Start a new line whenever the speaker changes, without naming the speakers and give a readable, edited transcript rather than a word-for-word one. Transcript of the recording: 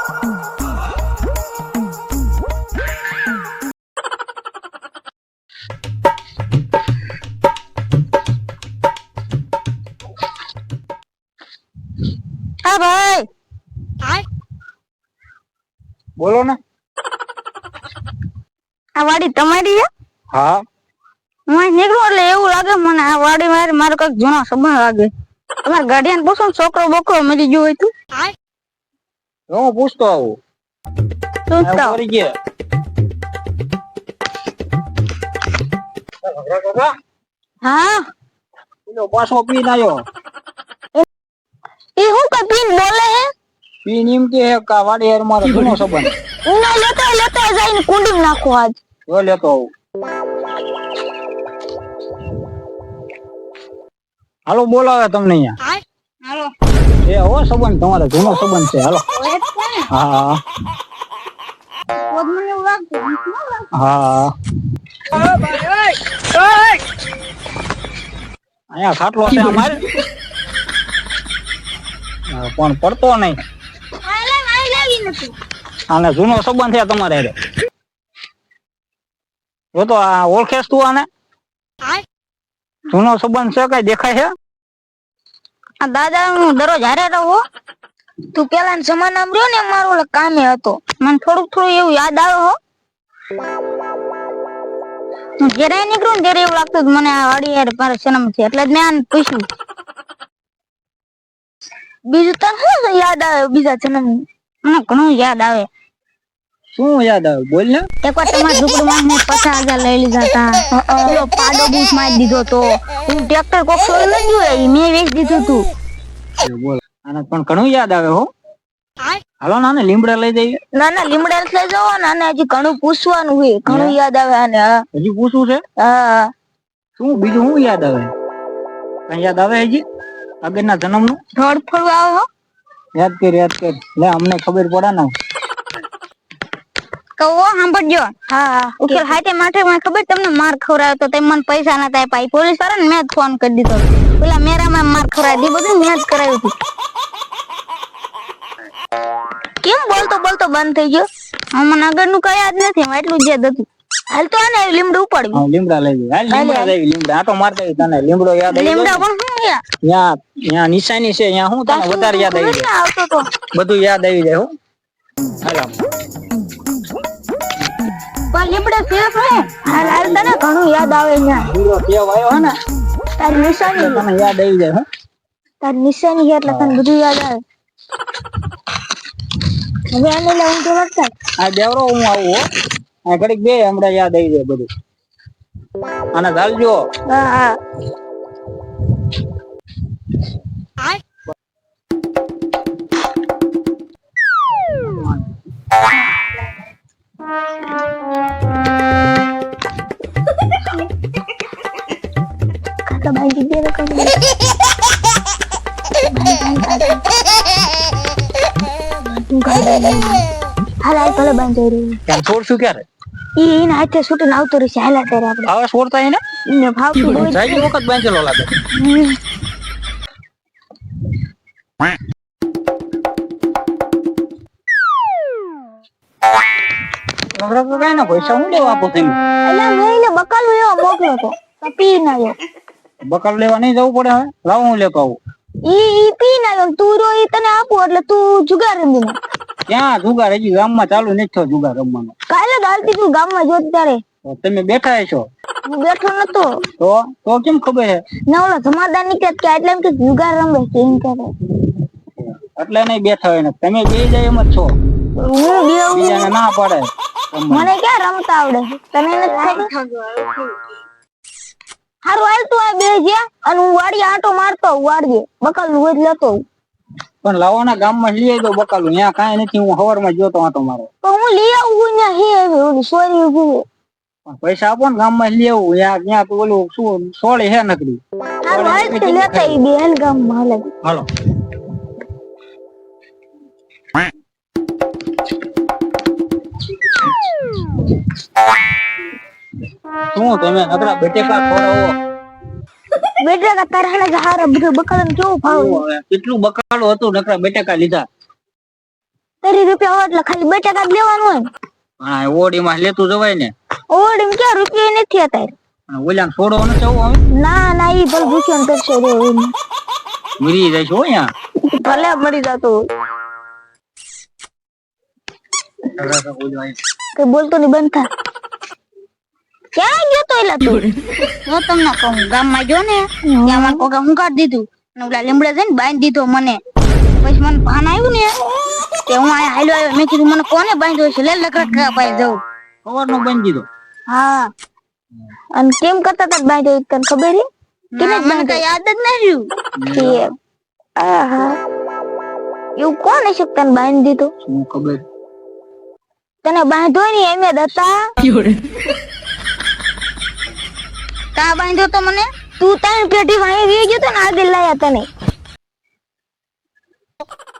હા ભાઈ,
બોલો ને.
આ વાડી તમારી છે?
હા.
હું નીકળું એટલે એવું લાગે મને આ વાડી મારો કઈક જૂનો સંબંધ લાગે. તમારા ગાર્ડિયન પૂછો ને છોકરો બોકરો મરી ગયો હોય તું.
હું પૂછતો આવું. કરી ગયા.
હા.
પાછો પીને આવ્યો.
એ હું કઈ પીન બોલે હે?
પીન એમ કે વાડી યાર મારો જૂનો સંબંધ.
ઉના લેતા જઈને કુંડી નાખો આજ.
જો લેતો આવું. હાલો બોલાવે તમને અહીંયા.
હાલો.
એ હો સંબંધ તમારો જૂનો સંબંધ છે. હાલો. હા.
મને એવું લાગતું.
હા. અહીંયા ખાટલો છે અમારે. પણ પડતો નહીં. આને જૂનો સંબંધ છે તમારે. જો તો આ ઓળખેસ તું આને? જૂનો સંબંધ છે કઈ દેખાય છે?
આ દાદા હું દરરોજ હારે રહું. તું પેલા જમાનામાં રહ્યો ને મારો કામે હતો. મને થોડું એવું યાદ આવે હો. હું ઘરે નીકળું ને ત્યારે એવું લાગતું મને આ વાડી યાર મારો જન્મ છે એટલે જ મેં આને પૂછ્યું. બીજું તને શું યાદ આવે બીજા જન્મ? મને ઘણું યાદ આવે.
શું યાદ આવે બોલ ને.
એકવાર તમારા ઝૂંપડીમાં મેં 50,000 લઈ લીધા હતા. પેલો પાડો બૂસ મારી દીધો તો. હું ટ્રેક્ટર કોક છોડી લઈ ગયું મેં વેચી દીધું તું.
બોલ આને પણ ઘણું યાદ આવે હો. હાલો નાને લીમડા લઈ જઈએ.
ના લીમડા લઈ જાઓ ને આને હજી ઘણું પૂછવાનું હોય. ઘણું યાદ આવે આને.
હજી પૂછવું છે?
હા.
શું બીજું શું યાદ આવે? કઈ યાદ આવે હજી આગળના જન્મનું?
થોડ ફળું આવે હો.
યાદ કર લે અમને ખબર પડે ને.
કહો સાંભળજો. હા ઉકેલ હાથે માથે મને ખબર તમને માર ખવડાવ્યો તો તમે મને પૈસા નતા આપ્યા. પોલીસ વાળા ને મેં જ ફોન કરી દીધો. પેલા મેરામાં માર ખવડાવી દી બધું મેં જ કરાવ્યું હતું. કેમ બોલતો બંધ થઈ ગયો? મને આગળનું કઈ યાદ નથી. એટલું જ યાદ હતું. હાલ તો આને લીમડું ઉપાડવી.
હા લીમડા લઈ જઈએ. હાલ લીમડા લઈ લીમડા આટો મારતા તને લીમડો યાદ આવી જાય.
લીમડા પણ શું યાર?
ત્યાં નિશાની છે ત્યાં હું તને વધારે યાદ આવી જાય.
આવતો તો
બધું યાદ આવી જાય હો. હાલ
પણ લીમડા સેફ હે. હાલ તને ઘણું યાદ આવે ન્યા.
લીમડો કેવ આવ્યો હે ને
તારી નિશાની
તને યાદ આવી જાય હો.
તારી નિશાની એટલે તને બધું યાદ આવે. હવે આને લઈને તો વળતા
આ દેવરો હું આવું હો. આ ઘડીક બે હમણાં યાદ આવી જાય બધું. આને ચાલજો.
હા. ખાતા બાંધી દે રે કમ. હાલ ભલે બાંધી રહ્યું.
ત્યાં છોડશું ક્યારે?
ઈને હાથે છૂટીને આવતો રહેશે. હાલ ત્યારે આપણે
હવે છોડતા એને
ને ભાવતું હોય
જાય વખત બાંધેલો લાગે. કઈ ના પૈસા હું લેવા આપો તમે?
એટલે મેં બકાલો એવો મોકલો તો પી ના આવ્યો.
બકર લેવા નહીં જવું પડે હવે. લાવ હું લેતો આવું.
ઈ પી ના આવ્યો. તું રો ઈ તને આપું એટલે તું જુગાર રમી ને.
ક્યાં જુગાર હજી ગામમાં ચાલુ નથી થયો જુગાર રમવાનો.
કાલે ગાલતી તું ગામમાં જોત ત્યારે.
તમે બેઠા છો?
હું બેઠો નતો.
તો કેમ ખબર હે?
ના ઓલા જમાદાર નીકળે કે એટલે એમ કે જુગાર રમે છે એમ કે.
એટલે નહીં બેઠા હોય ને તમે બે જાય એમ જ છો.
હું
બીજાને ના પડે.
મને ક્યાં રમતા આવડે તને નથી ખબર. હારું હાલ તું આ બે જ્યાં અને હું વાડી આંટો મારતો વાડીએ બકાલ નું રોજ લેતો.
પણ લાવવાના ગામમાં લઈ આવી દો બકાલું. ત્યાં કાંઈ નથી. હું સવારમાં જોતો આંટો મારો.
તો હું લઈ આવું ત્યાં હે ઓલી સોરી ઉભી.
પણ પૈસા આપો ને ગામમાં લઈ આવું. ત્યાં તો ઓલું શું સોળી હે નકરી.
હારું હાલ તે લેતા ઈ બે હાલ ગામમાં હાલે.
હાલો. શું તમે નકરા બેટેકા ખોરાવો?
બેટેકા તારા હારા બધું બકાલ કેવું ભાવ?
કેટલું બકાલું હતું નકરા બેટેકા લીધા.
તો રૂપિયા હોય એટલે ખાલી બટાકા જ લેવાનું હોય ને.
હા ઓડીમાં લેતું જવાય ને.
ઓડીમ ક્યાં રૂપિયા નથી અત્યારે.
ઓલા છોડો ન જવું હવે.
ના ના ઈ ભલે ભૂખ્યો ને કરશે રે
મરી જાય છે હો યા.
ભલે મરી જતો કઈ બોલતો નહીં બંધ થા. ક્યાં ગયો તો એલા તું? જો તમને કહું ગામમાં જો ને ત્યાં મને કોકે ઊંઘાડી દીધું અને ઓલા લીમડા જઈને બાંધી દીધો મને. પછી મને ભાન આવ્યું ને કે હું આ હાલ્યો આવ્યો. મેં કીધું મને કોને બાંધ્યો છે લે લકડા પાઈ જવું.
ખબર નો બાંધી દીધો.
હા અને કેમ કરતા તા બાંધ્યો તને ખબર છે કે મને કઈ યાદ જ નહીં રહ્યું. આહા એવું કોણ હશે તને બાંધી દીધો?
શું ખબર.
તને બાંધ્યો ને એમે દતા કા બાંધ્યો તો મને? તું તારી પેટી વાહી ગયો તો ને આગળ લાયા તને.